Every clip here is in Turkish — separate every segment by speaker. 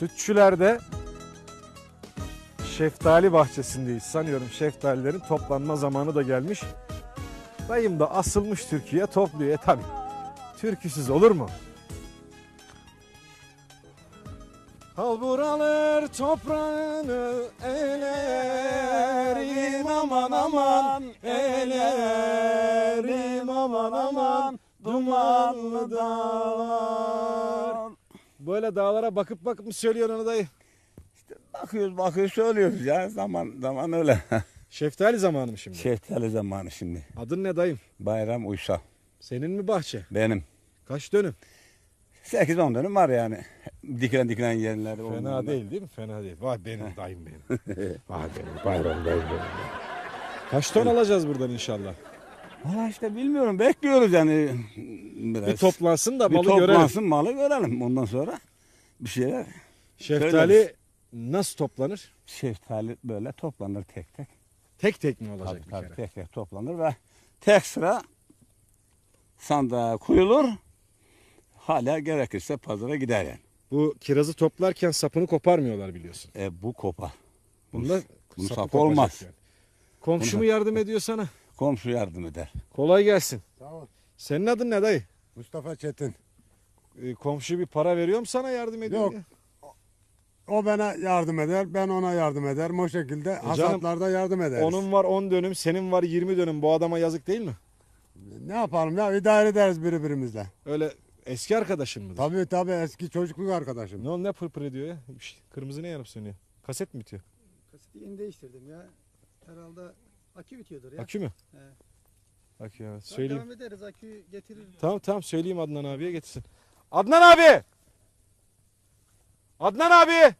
Speaker 1: Sütçülerde şeftali bahçesindeyiz. Sanıyorum şeftalilerin toplanma zamanı da gelmiş. Dayım da asılmış Türkiye topluyor. Tabii. Türküsüz olur mu? Halbur alır toprağını elerim aman aman, elerim aman aman, dumanlı dağlar. Böyle dağlara bakıp bakıp mı söylüyorsun onu dayı?
Speaker 2: İşte bakıyoruz söylüyoruz ya, zaman öyle.
Speaker 1: Şeftali zamanı mı şimdi?
Speaker 2: Şeftali zamanı şimdi.
Speaker 1: Adın ne dayım?
Speaker 2: Bayram Uysal.
Speaker 1: Senin mi bahçe?
Speaker 2: Benim.
Speaker 1: Kaç dönüm?
Speaker 2: 8-10 dönüm var yani. Dikilen yerleri.
Speaker 1: Fena değil mi? Fena değil. Vay benim dayım benim. Vay benim bayram dayım benim. Kaç ton alacağız buradan inşallah?
Speaker 2: Valla işte bilmiyorum, bekliyoruz yani. Biraz.
Speaker 1: Bir toplansın da
Speaker 2: Bir
Speaker 1: malı görelim.
Speaker 2: toplansın, malı görelim. Ondan sonra bir şeyler.
Speaker 1: Şeftali
Speaker 2: söyleriz.
Speaker 1: nasıl toplanır?
Speaker 2: Şeftali böyle toplanır tek tek.
Speaker 1: Tek tek mi olacak
Speaker 2: Tabii,
Speaker 1: bir kere?
Speaker 2: tek tek toplanır ve tek sıra sandığa koyulur. Hala gerekirse pazara gider yani.
Speaker 1: Bu kirazı toplarken sapını koparmıyorlar biliyorsun.
Speaker 2: Bu kopar.
Speaker 1: Bunda
Speaker 2: Bunu
Speaker 1: sapı
Speaker 2: sap
Speaker 1: kopacak
Speaker 2: olmaz.
Speaker 1: yani. Komşu mu yardım ediyor sana?
Speaker 2: Komşu yardım eder.
Speaker 1: Kolay gelsin.
Speaker 3: Sağ ol.
Speaker 1: Senin adın ne dayı?
Speaker 3: Mustafa Çetin.
Speaker 1: Komşu bir para veriyor mu sana yardım ediyor
Speaker 3: Yok.
Speaker 1: diye?
Speaker 3: O bana yardım eder, ben ona yardım ederim. O şekilde
Speaker 1: canım,
Speaker 3: hasatlarda yardım ederiz.
Speaker 1: Onun var 10 dönüm, senin var 20 dönüm. Bu adama yazık değil mi?
Speaker 3: Ne yapalım ya, idare ederiz birbirimizle.
Speaker 1: Öyle eski arkadaşın mıdır?
Speaker 3: Tabii eski çocukluk arkadaşım.
Speaker 1: Ne o ne pırpır ediyor ya? Kırmızı ne yanıp sönüyor? Kaset mi bitiyor?
Speaker 4: Kaseti yeni değiştirdim ya. Herhalde akü bitiyordur ya.
Speaker 1: Akü mü?
Speaker 4: He.
Speaker 1: Akü evet.
Speaker 4: Tamam,
Speaker 1: Söyleyeyim.
Speaker 4: devam ederiz, aküyü getirir.
Speaker 1: Tamam söyleyeyim Adnan abiye getirsin. Adnan abi! Adnan abi!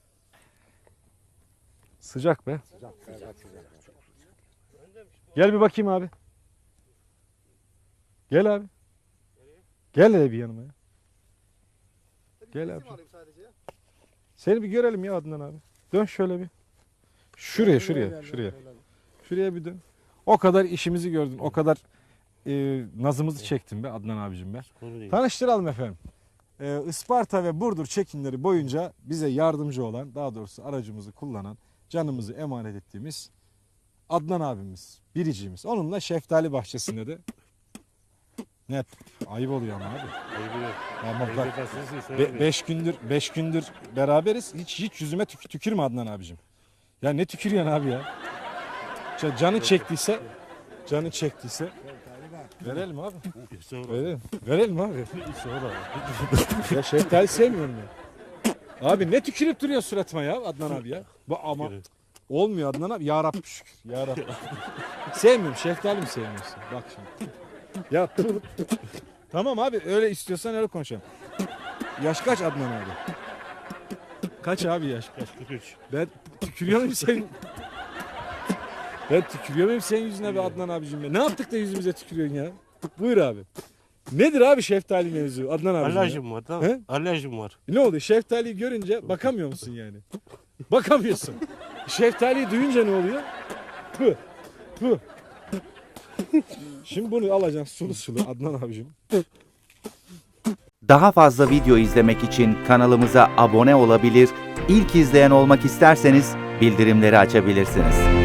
Speaker 1: Sıcak be. Gel bir bakayım abi. Gel abi. Gel hele bir yanıma ya. Gel abi.
Speaker 4: Sadece ya.
Speaker 1: Seni bir görelim ya Adnan abi. Dön şöyle bir. Şuraya. Şuraya bir dön. O kadar işimizi gördün. O kadar nazımızı çektin be Adnan abicim be. Tanıştıralım efendim. Isparta ve Burdur çekimleri boyunca bize yardımcı olan, daha doğrusu aracımızı kullanan, canımızı emanet ettiğimiz Adnan abimiz, biricimiz. Onunla şeftali bahçesinde de ne ayıp oluyor ama abi. Ama bak 5 gündür beraberiz. Hiç yüzüme tükürme Adnan abicim. Ya ne tükürüyorsun abi ya? Canı çektiyse verelim abi. Verelim abi. Ya şeftali sevmiyorum ya. Abi ne tükürüp duruyor suratıma ya Adnan abi ya. Bu ama olmuyor Adnan abi. Ya Rabbi şükür. Ya Rabbi. Sevmiyorum. Şeftali mi sevmiyorsun? Bak şimdi. Ya tamam abi öyle istiyorsan öyle konuşalım. Yaş kaç Adnan abi? Kaç abi yaş kaç? 43. Ben tükürüyor muyum senin? Ben tükürüyor muyum senin yüzüne be Adnan abicim be? Ne yaptık da yüzümüze tükürüyorsun ya? Buyur abi. Nedir abi şeftali mevzu Adnan abicim?
Speaker 5: Alerjim var tamam.
Speaker 1: He?
Speaker 5: Alerjim var.
Speaker 1: Ne oldu? Şeftaliyi görünce bakamıyor musun yani? Bakamıyorsun. Şeftaliyi duyunca ne oluyor? Pı. Şimdi bunu alacaksın sulu Adnan abicim.
Speaker 6: Daha fazla video izlemek için kanalımıza abone olabilir, ilk izleyen olmak isterseniz bildirimleri açabilirsiniz.